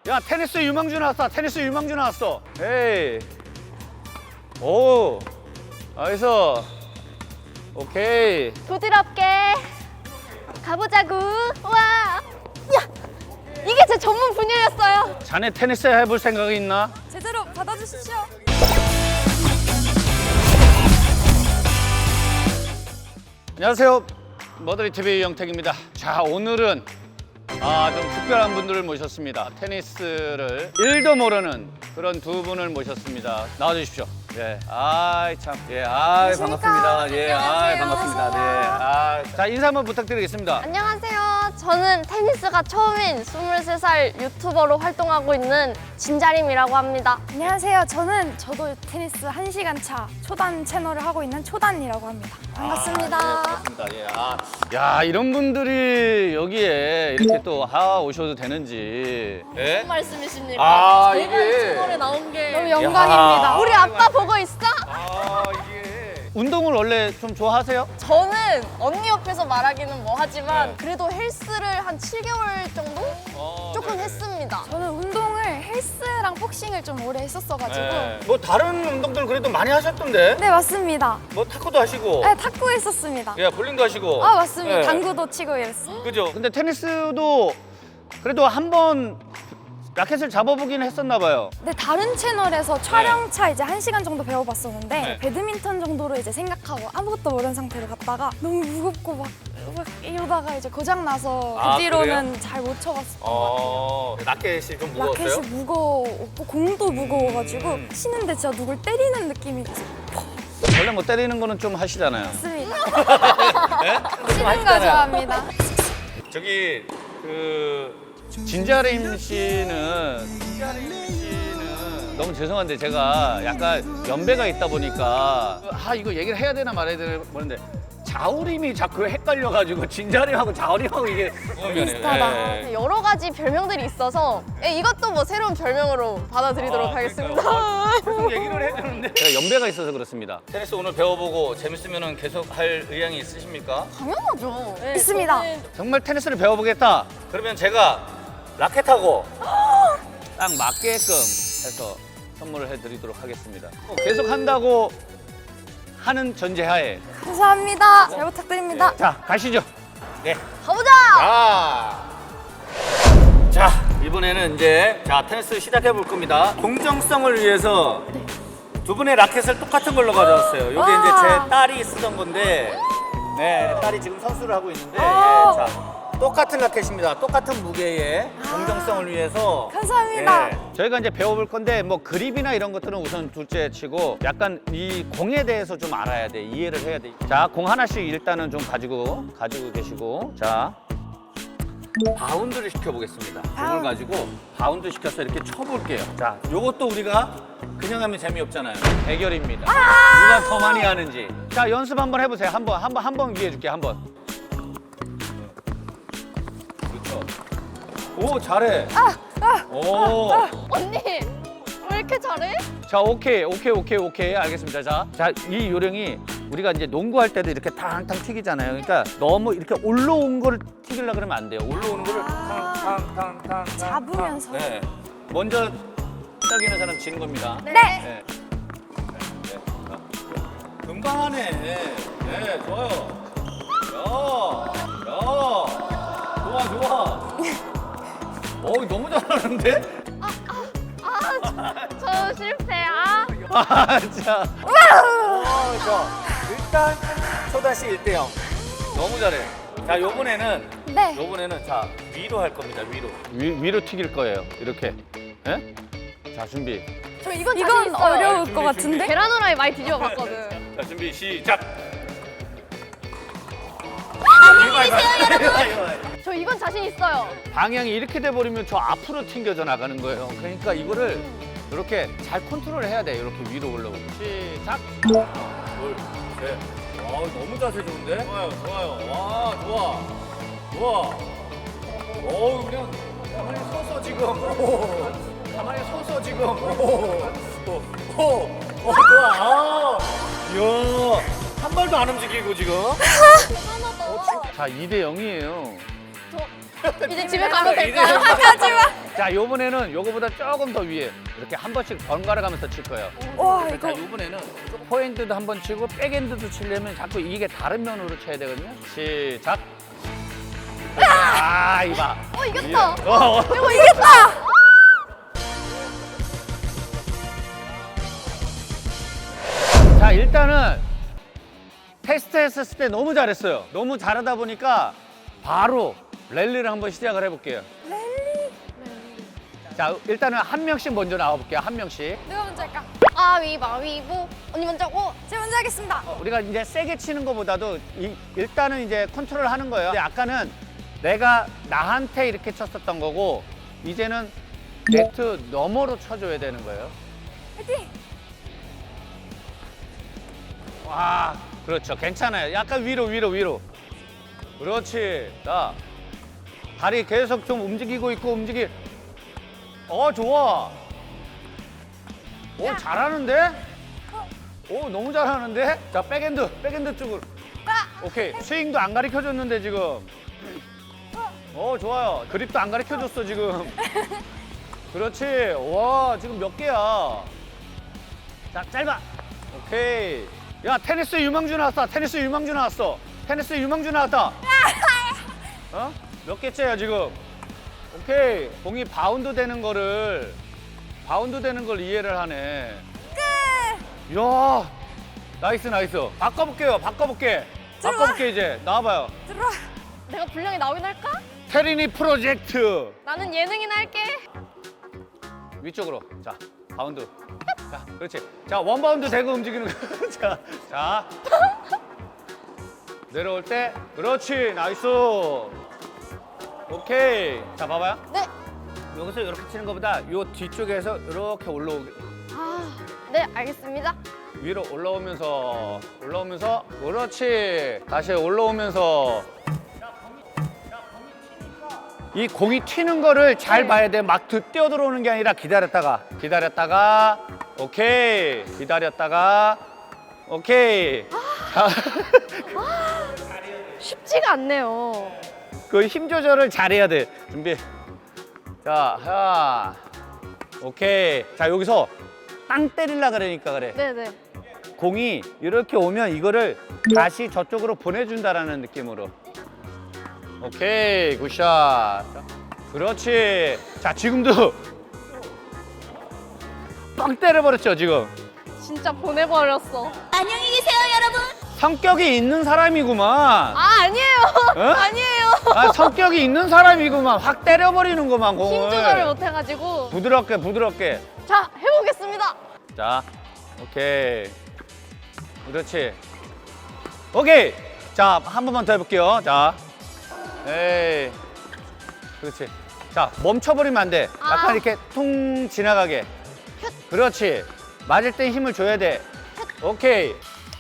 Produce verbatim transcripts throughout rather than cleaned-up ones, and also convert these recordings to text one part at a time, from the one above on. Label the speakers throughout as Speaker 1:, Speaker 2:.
Speaker 1: 야, 테니스 유망주 나왔다. 테니스 유망주 나왔어. 에이. 오. 나이스. 오케이.
Speaker 2: 부드럽게 가보자구. 와. 야, 이게 제 전문 분야였어요.
Speaker 1: 자네 테니스 해볼 생각이 있나?
Speaker 2: 제대로 받아주십시오.
Speaker 1: 안녕하세요. 머더리 티비 영택입니다. 자, 오늘은 아, 좀 특별한 분들을 모셨습니다. 테니스를 일도 모르는 그런 두 분을 모셨습니다. 나와주십시오. 예, 아이 참, 예, 아이 반갑습니다. 예, 아이 반갑습니다. 네, 아, 자 인사 한번 부탁드리겠습니다.
Speaker 2: 안녕하세요. 저는 테니스가 처음인 스물세 살 유튜버로 활동하고 있는 진자림이라고 합니다.
Speaker 3: 안녕하세요. 저는 저도 테니스 한 시간 차 초단 채널을 하고 있는 초단이라고 합니다. 반갑습니다.
Speaker 1: 아, 네, 반갑습니다. 예, 아, 야 이런 분들이 여기에 이렇게 또 하 오셔도 되는지. 예?
Speaker 2: 무슨 말씀이십니까?
Speaker 1: 아,
Speaker 2: 제가
Speaker 1: 이게-
Speaker 2: 채널에 나온 게
Speaker 3: 너무 영광입니다.
Speaker 1: 야.
Speaker 2: 우리 아빠 보고 있어?
Speaker 1: 아 이게 운동을 원래 좀 좋아하세요?
Speaker 2: 저는 언니 옆에서 말하기는 뭐 하지만
Speaker 1: 네.
Speaker 2: 그래도 헬스를 한 칠 개월 정도?
Speaker 1: 어,
Speaker 2: 조금
Speaker 1: 네네.
Speaker 2: 했습니다.
Speaker 3: 저는 운동을 헬스랑 복싱을 좀 오래 했었어가지고
Speaker 1: 네. 뭐 다른 운동들 그래도 많이 하셨던데?
Speaker 3: 네 맞습니다.
Speaker 1: 뭐 탁구도 하시고,
Speaker 3: 네 탁구 했었습니다.
Speaker 1: 예, 볼링도 하시고.
Speaker 3: 아 맞습니다.
Speaker 1: 네.
Speaker 3: 당구도 치고 이랬어요.
Speaker 1: 그죠? 근데 테니스도 그래도 한번 라켓을 잡아보긴 했었나 봐요.
Speaker 3: 네 다른 채널에서 촬영차 이제 한 시간 정도 배워봤었는데
Speaker 1: 네.
Speaker 3: 배드민턴 정도로 이제 생각하고 아무것도 모르는 상태로 갔다가 너무 무겁고 막, 막 이러다가 이제 고장 나서
Speaker 1: 아,
Speaker 3: 그 뒤로는 잘 못 쳐봤어요.
Speaker 1: 어, 라켓이 좀 무거웠어요?
Speaker 3: 라켓이 무거웠고 공도 무거워가지고
Speaker 1: 음.
Speaker 3: 치는데 진짜 누굴 때리는 느낌이 들었어요.
Speaker 1: 원래 뭐 때리는 거는 좀 하시잖아요.
Speaker 3: 맞습니다.
Speaker 1: 네?
Speaker 3: 치는 거 좋아합니다.
Speaker 1: 저기 그 진자림 씨는 진자림 씨는 너무 죄송한데 제가 약간 연배가 있다 보니까 아 이거 얘기를 해야 되나 말아야 되나 모르는데 자우림이 자꾸 헷갈려가지고 진자림하고 자우림하고 이게
Speaker 3: 비슷하다.
Speaker 1: 예.
Speaker 2: 여러 가지 별명들이 있어서 예, 이것도 뭐 새로운 별명으로 받아들이도록
Speaker 1: 아,
Speaker 2: 하겠습니다.
Speaker 1: 계속 얘기를 해야 되는데 제가 연배가 있어서 그렇습니다. 테니스 오늘 배워보고 재밌으면 계속 할 의향이 있으십니까?
Speaker 2: 당연하죠. 예,
Speaker 3: 있습니다.
Speaker 2: 저는
Speaker 1: 정말 테니스를 배워보겠다. 그러면 제가 라켓하고 딱 맞게끔 해서 선물을 해드리도록 하겠습니다. 어, 계속 한다고 하는 전제하에
Speaker 3: 감사합니다. 잘 부탁드립니다.
Speaker 1: 자 가시죠. 네.
Speaker 2: 가보자!
Speaker 1: 자, 자 이번에는 이제 자 테니스 시작해 볼 겁니다. 공정성을 위해서 두 분의 라켓을 똑같은 걸로 가져왔어요. 이게
Speaker 3: 와.
Speaker 1: 이제 제 딸이 쓰던 건데, 네 딸이 지금 선수를 하고 있는데, 예,
Speaker 3: 오.
Speaker 1: 자 똑같은 라켓입니다. 똑같은 무게의 공정성을 위해서.
Speaker 3: 감사합니다.
Speaker 1: 예. 저희가 이제 배워볼 건데 뭐 그립이나 이런 것들은 우선 둘째 치고 약간 이 공에 대해서 좀 알아야 돼. 이해를 해야 돼. 자, 공 하나씩 일단은 좀 가지고 가지고 계시고 자. 바운드를 시켜보겠습니다. 공을
Speaker 3: 바운드.
Speaker 1: 가지고 바운드 시켜서 이렇게 쳐볼게요. 자, 요것도 우리가 그냥 하면 재미없잖아요. 대결입니다. 누가 더 많이 하는지. 자, 연습 한번 해보세요. 한번, 한번, 한 번 기회 줄게. 한번. 그렇죠. 오, 잘해. 오.
Speaker 2: 언니, 왜 이렇게 잘해?
Speaker 1: 자, 오케이, 오케이, 오케이, 오케이. 알겠습니다. 자, 자, 이 요령이 우리가 이제 농구할 때도 이렇게 탕탕 튀기잖아요. 그러니까 너무 이렇게 올라온 거를 튀기려고 그러면 안 돼요. 올라오는 거를 탕탕탕탕
Speaker 3: 잡으면서.
Speaker 1: 네. 먼저 시작이는 사람 지는 겁니다.
Speaker 3: 네.
Speaker 1: 네. 네. 네. 자, 금방 하네. 네, 좋아요. 야, 야, 좋아, 좋아. 어, 너무 잘하는데?
Speaker 2: 저 실패. 아,
Speaker 1: 아, 자. 어, 자, 일단 초다시 일 대 영. 너무 잘해. 자, 요번에는
Speaker 3: 네.
Speaker 1: 요번에는 자, 위로 할 겁니다. 위로. 위, 위로 튀길 거예요. 이렇게. 예? 자, 준비.
Speaker 2: 저 이건 자신
Speaker 3: 이건
Speaker 2: 있어요.
Speaker 3: 어려울
Speaker 1: 준비,
Speaker 3: 것
Speaker 1: 준비.
Speaker 3: 같은데?
Speaker 2: 계란 후라이 많이 뒤집어 봤거든.
Speaker 1: 자, 준비 시작.
Speaker 2: 안녕히 계세요, 여러분. 저 이건 자신 있어요.
Speaker 1: 방향이 이렇게 돼 버리면 저 앞으로 튕겨져 나가는 거예요. 그러니까 이거를 이렇게 잘 컨트롤 해야 돼. 이렇게 위로 올라오고. 시작. 하나, 둘, 셋. 와, 너무 자세 좋은데? 좋아요, 좋아요. 와, 좋아. 좋아. 어, 그냥 가만히 서서 지금. 오. 가만히 서서 지금. 오. 오. 오. 오, 좋아. 아. 이야. 한 발도 안 움직이고 지금.
Speaker 2: 대단하다.
Speaker 1: 자, 이 대 영이에요.
Speaker 2: 저 이제 집에 가도
Speaker 1: 이제
Speaker 2: 될까요?
Speaker 3: 하지마.
Speaker 1: 자, 요번에는 요거보다 조금 더 위에 이렇게 한 번씩 번갈아 가면서 칠 거예요.
Speaker 3: 와
Speaker 1: 자,
Speaker 3: 이거
Speaker 1: 요번에는 포핸드도 한 번 치고 백핸드도 치려면 자꾸 이게 다른 면으로 쳐야 되거든요. 시작. 아, 이봐.
Speaker 2: 어, 이겼다.
Speaker 1: 어, 어.
Speaker 3: 이거 이겼다.
Speaker 1: 자, 일단은 테스트 했었을 때 너무 잘했어요. 너무 잘하다 보니까 바로 랠리를 한번 시작을 해볼게요.
Speaker 3: 랠리.
Speaker 1: 자, 일단은 한 명씩 먼저 나와볼게요. 한 명씩.
Speaker 3: 누가 먼저 할까?
Speaker 2: 가위바위보. 언니 먼저. 어,
Speaker 3: 제가 먼저 하겠습니다.
Speaker 1: 어, 우리가 이제 세게 치는 것보다도 이- 일단은 이제 컨트롤 하는 거예요. 근데 아까는 내가 나한테 이렇게 쳤었던 거고 이제는 네트 너머로 쳐줘야 되는 거예요.
Speaker 3: 화이팅.
Speaker 1: 와, 그렇죠. 괜찮아요. 약간 위로, 위로, 위로. 그렇지. 자, 다리 계속 좀 움직이고 있고 움직이. 어, 좋아. 오, 잘하는데? 오, 너무 잘하는데? 자, 백핸드, 백핸드 쪽으로. 오케이. 스윙도 안 가르쳐 줬는데 지금. 어, 좋아요. 그립도 안 가르쳐 줬어 지금. 그렇지. 와, 지금 몇 개야? 자, 짧아. 오케이. 야, 테니스 유망주 나왔다. 테니스 유망주 나왔어. 테니스 유망주 나왔다. 어? 몇 개째야 지금? 오케이. 공이 바운드 되는 거를 바운드 되는 걸 이해를 하네. 끝. 이야, 나이스 나이스. 바꿔볼게요. 바꿔볼게.
Speaker 3: 들어와.
Speaker 1: 바꿔볼게 이제. 나와봐요.
Speaker 3: 들어와.
Speaker 2: 내가 분량이 나오긴 할까?
Speaker 1: 테리니 프로젝트.
Speaker 2: 나는 예능이나 할게.
Speaker 1: 위쪽으로. 자, 바운드. 자, 그렇지. 자, 원바운드 대고 움직이는 거. 자, 자. 내려올 때. 그렇지. 나이스. 오케이. 자, 봐봐요.
Speaker 2: 네.
Speaker 1: 여기서 이렇게 치는 것보다 요 뒤쪽에서 이렇게 올라오게.
Speaker 2: 아, 네, 알겠습니다.
Speaker 1: 위로 올라오면서, 올라오면서. 그렇지. 다시 올라오면서. 이 공이 튀는 거를 잘
Speaker 2: 네.
Speaker 1: 봐야 돼. 막 뛰어 들어오는 게 아니라 기다렸다가, 기다렸다가, 오케이. 기다렸다가, 오케이. 자,
Speaker 2: 쉽지가 않네요.
Speaker 1: 그 힘 조절을 잘해야 돼. 준비. 자, 자, 오케이. 자, 여기서 땅 때리려 그러니까 그래.
Speaker 2: 네네.
Speaker 1: 공이 이렇게 오면 이거를 다시 저쪽으로 보내준다라는 느낌으로. 오케이, 굿샷. 자, 그렇지. 자, 지금도 빵 때려버렸죠, 지금.
Speaker 2: 진짜 보내버렸어.
Speaker 4: 안녕히 계세요, 여러분.
Speaker 1: 성격이 있는 사람이구만.
Speaker 2: 아, 아니에요.
Speaker 1: 어?
Speaker 2: 아니에요.
Speaker 1: 아, 성격이 있는 사람이구만. 확 때려버리는구만, 공을.
Speaker 2: 힘 조절을 못해가지고.
Speaker 1: 부드럽게, 부드럽게.
Speaker 2: 자, 해보겠습니다.
Speaker 1: 자, 오케이. 그렇지. 오케이. 자, 한 번만 더 해볼게요. 자, 에이. 그렇지. 자, 멈춰버리면 안 돼. 약간
Speaker 2: 아.
Speaker 1: 이렇게 퉁 지나가게. 그렇지. 맞을 때 힘을 줘야 돼. 오케이.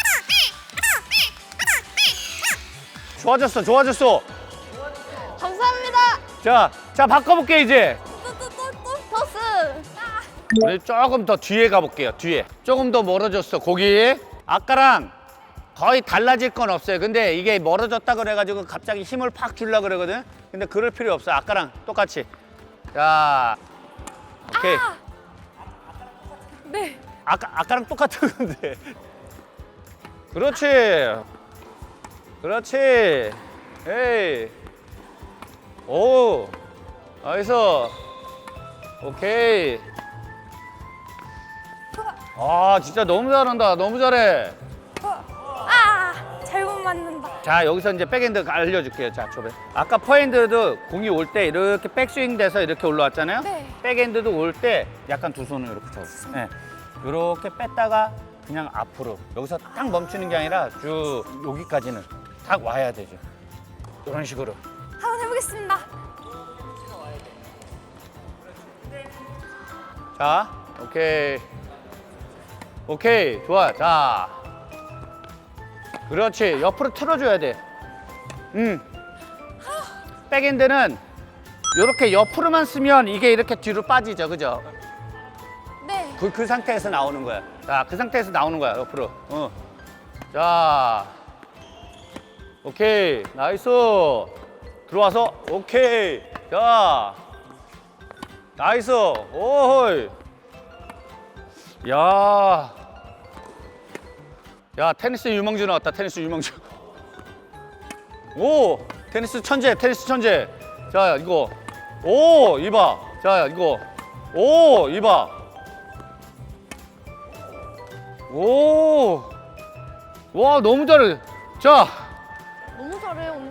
Speaker 1: 좋아졌어, 좋아졌어.
Speaker 2: 감사합니다.
Speaker 1: 자, 자, 바꿔볼게, 이제.
Speaker 2: 토스.
Speaker 1: 우리 조금 더 뒤에 가볼게요. 뒤에 조금 더 멀어졌어. 거기 아까랑 거의 달라질 건 없어요. 근데 이게 멀어졌다 그래가지고 갑자기 힘을 팍 주려 그러거든. 근데 그럴 필요 없어. 아까랑 똑같이. 자, 오케이.
Speaker 3: 네.
Speaker 1: 아까 아까랑 똑같은 건데. 그렇지. 그렇지. 에이. 오. 나이스. 오케이. 아, 진짜 너무 잘한다. 너무 잘해.
Speaker 3: 아 잘못 맞는다.
Speaker 1: 자, 여기서 이제 백핸드 알려줄게요. 자, 줘봐. 아까 포핸드도 공이 올 때 이렇게 백스윙 돼서 이렇게 올라왔잖아요.
Speaker 3: 네.
Speaker 1: 백핸드도 올 때 약간 두 손을 이렇게 잡고. 네. 이렇게 뺐다가 그냥 앞으로. 여기서 딱 멈추는 게 아니라 쭉 여기까지는 딱 와야 되죠. 이런 식으로.
Speaker 3: 한번 해보겠습니다.
Speaker 1: 자, 오케이. 오케이, 좋아. 자. 그렇지. 옆으로 틀어줘야 돼. 음. 백핸드는 이렇게 옆으로만 쓰면 이게 이렇게 뒤로 빠지죠. 그죠?
Speaker 3: 네.
Speaker 1: 그, 그 상태에서 나오는 거야. 자, 그 상태에서 나오는 거야. 옆으로. 어. 자. 오케이. 나이스. 들어와서 오케이. 자, 나이스. 오호이. 야, 야 테니스 유망주 나왔다. 테니스 유망주. 오, 테니스 천재, 테니스 천재. 자, 이거. 오, 이봐. 자, 이거. 오, 이봐. 오. 와, 너무 잘해. 자,
Speaker 2: 너무 잘해 언니.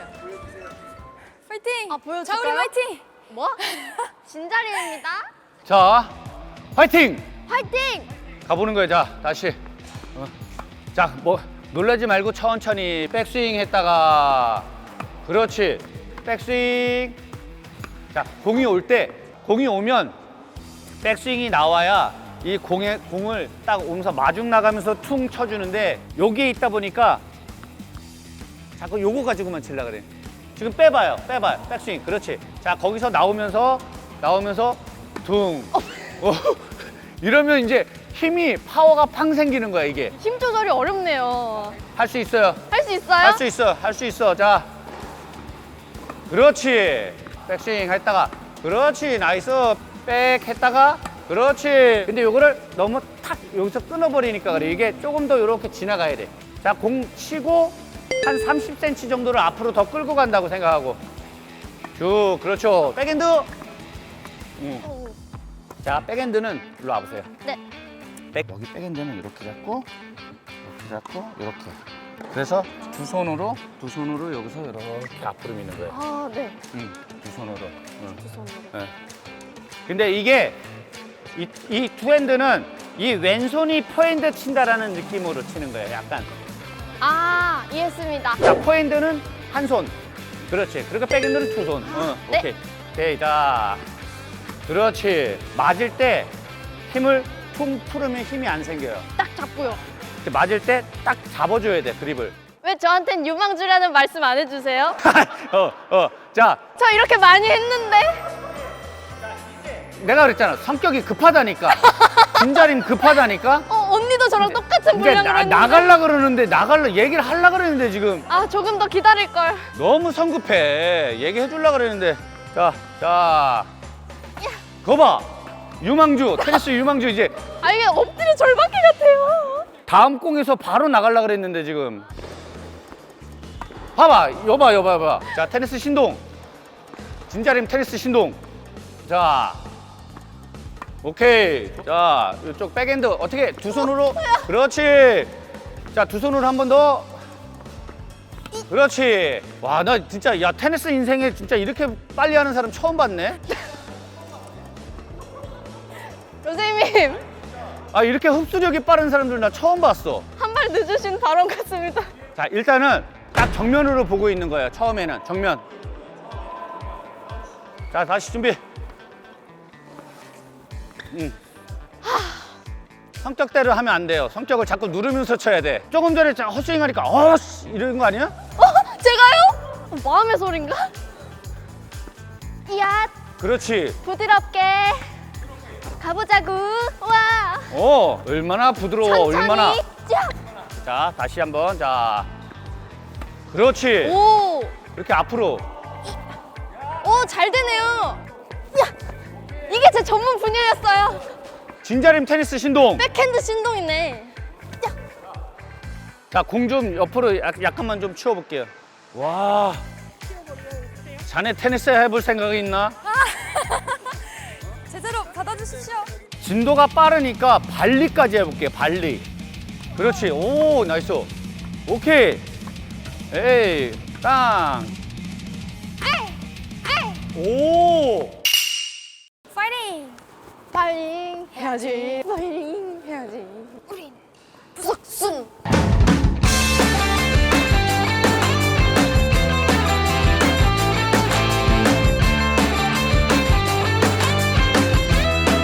Speaker 3: 파이팅!
Speaker 2: 아, 보여줄까요?
Speaker 3: 자, 우리 파이팅!
Speaker 2: 뭐? 진자림입니다.
Speaker 1: 자, 화이팅!
Speaker 2: 화이팅!
Speaker 1: 가보는 거야. 자, 다시. 어. 자, 뭐 놀라지 말고 천천히 백스윙 했다가 그렇지. 백스윙. 자, 공이 올 때, 공이 오면 백스윙이 나와야 이 공에 공을 딱 오면서 마중 나가면서 퉁 쳐주는데 여기에 있다 보니까 자꾸 요거 가지고만 칠라 그래. 지금 빼봐요, 빼봐요. 백스윙. 그렇지. 자, 거기서 나오면서 나오면서 퉁. 어. 이러면 이제 힘이 파워가 팡 생기는 거야 이게.
Speaker 2: 힘 조절이 어렵네요.
Speaker 1: 할 수 있어요.
Speaker 2: 할 수 있어요?
Speaker 1: 할 수 있어. 할 수 있어. 자, 그렇지. 백스윙 했다가 그렇지. 나이스. 백 했다가 그렇지. 근데 요거를 너무 탁 여기서 끊어버리니까 그래. 이게 조금 더 이렇게 지나가야 돼. 자, 공 치고 한 삼십 센티미터 정도를 앞으로 더 끌고 간다고 생각하고 쭉. 그렇죠. 백핸드. 응.
Speaker 2: 오,
Speaker 1: 자, 백핸드는 일로 와보세요.
Speaker 2: 네.
Speaker 1: 백. 여기 백핸드는 이렇게 잡고 이렇게 잡고 이렇게. 그래서 두 손으로 두 손으로 여기서 이렇게 앞으로 미는 거예요.
Speaker 2: 아, 네.
Speaker 1: 응, 두 손으로. 응.
Speaker 2: 두 손으로.
Speaker 1: 네. 근데 이게 이, 이 투핸드는 이 왼손이 포핸드 친다라는 느낌으로 치는 거예요. 약간.
Speaker 2: 아, 이해했습니다.
Speaker 1: 자, 포핸드는 한 손. 그렇지. 그러니까 백핸드는 두 손. 어,
Speaker 2: 네.
Speaker 1: 오케이. 오케이. 자, 그렇지. 맞을 때 힘을 퉁 풀으면 힘이 안 생겨요.
Speaker 2: 딱 잡고요.
Speaker 1: 맞을 때 딱 잡아줘야 돼, 그립을.
Speaker 2: 왜 저한텐 유망주라는 말씀 안 해주세요?
Speaker 1: 어, 어. 자,
Speaker 2: 저 이렇게 많이 했는데?
Speaker 1: 내가 그랬잖아. 성격이 급하다니까. 진자림 급하다니까.
Speaker 2: 어, 언니도 저랑 똑같은
Speaker 1: 근데
Speaker 2: 분량으로
Speaker 1: 나,
Speaker 2: 했는데.
Speaker 1: 나갈라 그러는데 나갈라 얘기를 하려 그러는데 지금
Speaker 2: 아, 조금 더 기다릴걸.
Speaker 1: 너무 성급해. 얘기해 줄라 그러는데. 자, 자. 거 봐. 유망주, 테니스 유망주 이제
Speaker 2: 아, 이게 엎드려 절박기 같아요.
Speaker 1: 다음 공에서 바로 나갈라 그랬는데 지금. 봐봐, 여봐, 여봐, 여봐. 자, 테니스 신동. 진자림 테니스 신동. 자, 오케이. 자, 이쪽 백핸드 어떻게 두 손으로? 그렇지. 자, 두 손으로 한 번 더. 그렇지. 와, 나 진짜 야 테니스 인생에 진짜 이렇게 빨리 하는 사람 처음 봤네.
Speaker 2: 선생님,
Speaker 1: 아, 이렇게 흡수력이 빠른 사람들 나 처음 봤어.
Speaker 2: 한 발 늦으신 발언 같습니다.
Speaker 1: 자, 일단은 딱 정면으로 보고 있는 거예요. 처음에는 정면. 자, 다시 준비. 응. 성격대로 하면 안 돼요. 성격을 자꾸 누르면서 쳐야 돼. 조금 전에 자, 헛스윙 하니까 어씨 이러는 거 아니야?
Speaker 2: 어? 제가요? 어, 마음의 소린가? 이야,
Speaker 1: 그렇지.
Speaker 2: 부드럽게 가보자구. 와,
Speaker 1: 어, 얼마나 부드러워.
Speaker 2: 천천히.
Speaker 1: 얼마나.
Speaker 2: 자.
Speaker 1: 자, 다시 한번. 자, 그렇지.
Speaker 2: 오,
Speaker 1: 이렇게 앞으로.
Speaker 2: 오, 잘 되네요. 야, 이게 제 전문 분야였어요.
Speaker 1: 진자림 테니스 신동.
Speaker 2: 백핸드 신동이네.
Speaker 1: 자, 공 좀 옆으로 약, 약간만 좀 치워볼게요. 와. 자네 테니스 해볼 생각이 있나?
Speaker 3: 제대로 받아주십시오.
Speaker 1: 진도가 빠르니까 발리까지 해볼게요. 발리. 그렇지. 오, 나이스. 오케이. 에이, 땅. 오.
Speaker 3: 파이팅!
Speaker 2: 파이팅 해야지. 파이팅 해야지.
Speaker 3: 우린
Speaker 2: 부석순.